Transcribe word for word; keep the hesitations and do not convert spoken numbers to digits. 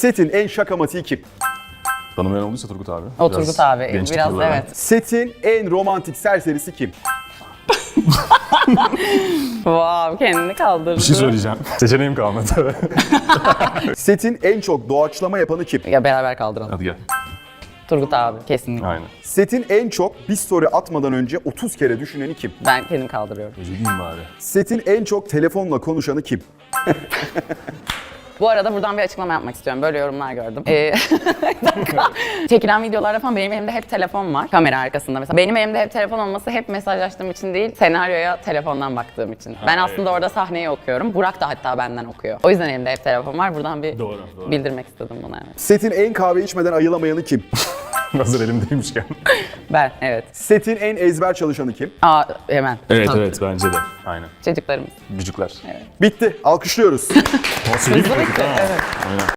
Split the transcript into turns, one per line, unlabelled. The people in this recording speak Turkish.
Setin en şakamatiği kim?
Tanımayan olduysa Turgut abi.
O
Biraz
Turgut abi.
gençlik
Biraz
yılları.
evet.
Setin en romantik serserisi kim?
Wow, kendini kaldırdı.
Bir şey söyleyeceğim. Seçeneğim kalmadı.
Setin en çok doğaçlama yapanı kim?
Ya beraber kaldıralım.
Hadi gel.
Turgut abi kesinlikle.
Aynen.
Setin en çok bir story atmadan önce otuz kere düşüneni kim?
Ben kendim kaldırıyorum.
Üzüleyim bari.
Setin en çok telefonla konuşanı kim?
Bu arada buradan bir açıklama yapmak istiyorum. Böyle yorumlar gördüm. Ee, bir dakika. Çekilen videolarda falan benim elimde hep telefon var. Kamera arkasında mesela. Benim elimde hep telefon olması hep mesajlaştığım için değil, senaryoya telefondan baktığım için. Ben aslında orada sahneyi okuyorum. Burak da hatta benden okuyor. O yüzden elimde hep telefon var. Buradan bir
Doğru, doğru.
bildirmek istedim bunu, evet.
Setin en kahve içmeden ayılamayanı kim?
Hazır elimdeymişken.
Ben, evet.
Setin en ezber çalışanı kim?
Aa, hemen.
Evet
Tamam.
evet bence de. Aynen.
Çocuklarımız.
Vücutlar.
Bitti. Alkışlıyoruz.
Nasıl iyi bir
Hızlı
pratik
bitti,
ha.
evet.
Aynen.